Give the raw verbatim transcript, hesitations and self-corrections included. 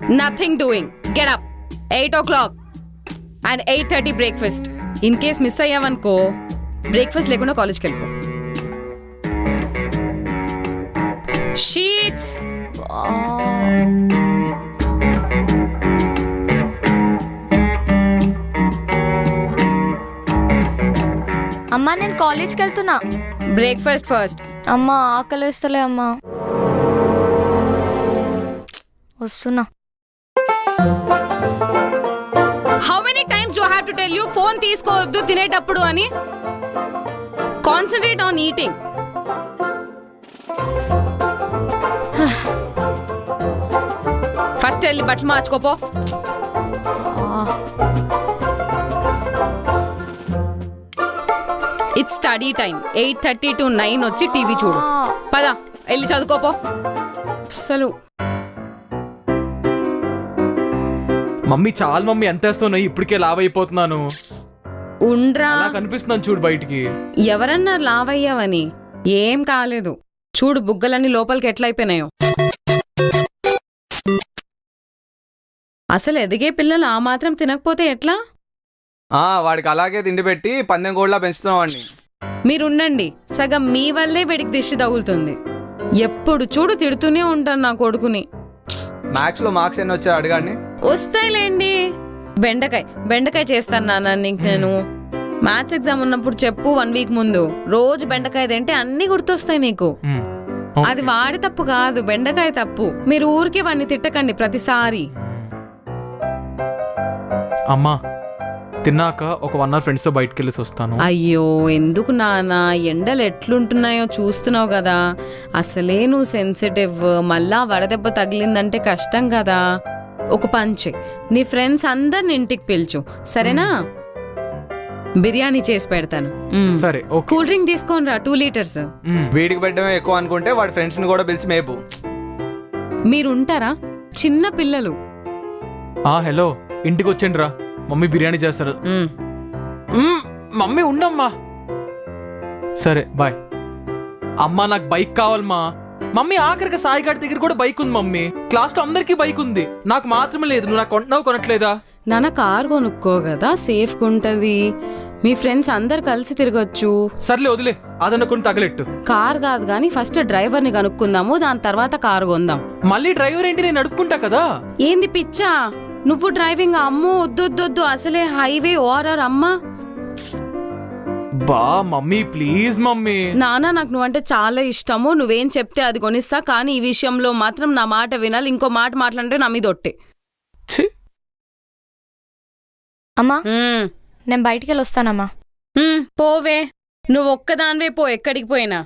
Nothing doing. Get up. Eight o'clock and eight thirty breakfast. In case miss అయ్యావనుకో breakfast లేకుండా కాలేజ్కి వెళ్ళిపో. Sheets. అమ్మా నేను కాలేజ్కి వెళ్తున్నా. Breakfast first. అమ్మా ఆకలిస్తలే అమ్మా. వస్తున్నా. How many times do have to tell you phone తీసుకోవద్దు తినేటప్పుడు అని? Concentrate on eating. ఫస్ట్ వెళ్ళి బట్టలు మార్చుకోపో. It's study time. Eight thirty to nine వచ్చి టీవీ చూడు. పదా వెళ్ళి చదువుకోపో. అసలు మమ్మీ చాలు మమ్మీ, ఎంత వేస్తున్నాయి ఇప్పటికే లావ్ అయిపోతున్నాను. ఉండ్రా. అలా కనిపిస్తున్నాను చూడు బయటికి. ఎవరన్నారు లావయ్యావని? ఏం కాలేదు. చూడు బుగ్గలన్నీ లోపలికి ఎట్లయిపోయినాయో. అసలు ఎదిగే పిల్లలు ఆ మాత్రం తినకపోతే ఎట్లా? ఆ వాడికి అలాగే తిండి పెట్టి పందెం కోళ్ళ పెంచుతున్నాం వాడిని. మీరుండండి, సగం మీ వల్లే వీడికి దిష్టి తగులుతుంది. ఎప్పుడు చూడు తిడుతూనే ఉంటాను నా కొడుకుని. మ్యాథ్స్ లో మార్క్స్ ఎన్ని వచ్చాయి అడగాడిని. వస్తాయిలేండి. బెండకాయ బెండకాయ చేస్తాను నాన్న నీకు నేను. మ్యాథ్స్ ఎగ్జామ్ ఉన్నప్పుడు చెప్పు, వన్ వీక్ ముందు రోజు బెండకాయ తింటే అన్ని గుర్తొస్తాయి నీకు. అది వాడి తప్పు కాదు, బెండకాయ తప్పు. మీరు ఊరికి వాడిని తిట్టకండి ప్రతిసారి. అమ్మా తిన్నాక ఒక వన్ అవర్ ఫ్రెండ్స్ తో బయటకు వెళ్ళేసి వస్తాను. అయ్యో ఎందుకు నాన్న, ఎండలు ఎట్లుంటున్నాయో చూస్తున్నావు కదా. అసలే నువ్వు సెన్సిటివ్, మళ్ళా వడదెబ్బ తగిలిందంటే కష్టం కదా. ఒక పంచే, నీ ఫ్రెండ్స్ అందరిని ఇంటికి పిలుచు సరేనా? బిర్యానీ చేసి పెడతాను. సరే. కూల్ డ్రింక్ తీసుకోని రా, టూ లీటర్స్. వీడికి పెట్టడమే ఎక్కువ అనుకుంటే వాడి ఫ్రెండ్స్ ని కూడా పిలిచి మేపు. మీరుంటారా చిన్న పిల్లలు? ఆ హలో, ఇంటికి వచ్చేయండి రా, మమ్మీ బిర్యానీ చేస్తారు. మమ్మీ ఉండమ్మా. సరే బాయ్. అమ్మా నాకు బైక్ కావాలమ్మా. మమ్మీ ఆఖరికి సాయిగాడి దగ్గర కూడా బైక్ ఉంది మమ్మీ. క్లాస్ లో అందరికీ బైక్ ఉంది, నాకు మాత్రమే లేదు. నువ్వు నాకు కొంటున్నావు కొనట్లేదా? నాన్న కార్ కొనుక్కో కదా, సేఫ్గా ఉంటది. మీ ఫ్రెండ్స్ అందరు కలిసి తిరగచ్చు. సర్లే వదిలే, అదనుకుని తగలెట్టు. కార్ కాదు కానీ ఫస్ట్ డ్రైవర్ ని కనుక్కుందాము, దాని తర్వాత కారు కొందాం. మళ్ళీ డ్రైవర్ ఏంటి, నేను నడుపుకుంటా కదా. ఏంది పిచ్చా నువ్వు డ్రైవింగ్? అమ్మో వద్దొద్దొద్దు, అసలే హైవే ఓఆర్ఆర్ అమ్మా. బా మమ్మీ ప్లీజ్ మమ్మీ. నాన్న నాకు నువ్వంటే చాలా ఇష్టము, నువ్వేం చెప్తే అది కొనిస్తా. కానీ ఈ విషయంలో మాత్రం నా మాట వినాలి. ఇంకో మాట మాట్లాడితే నా మీద ఒట్టే. అమ్మా నేను బయటికి వెళ్ళి వస్తానమ్మా. పోవే, నువ్వు ఒక్కదానివే పో ఎక్కడికి పోయినా.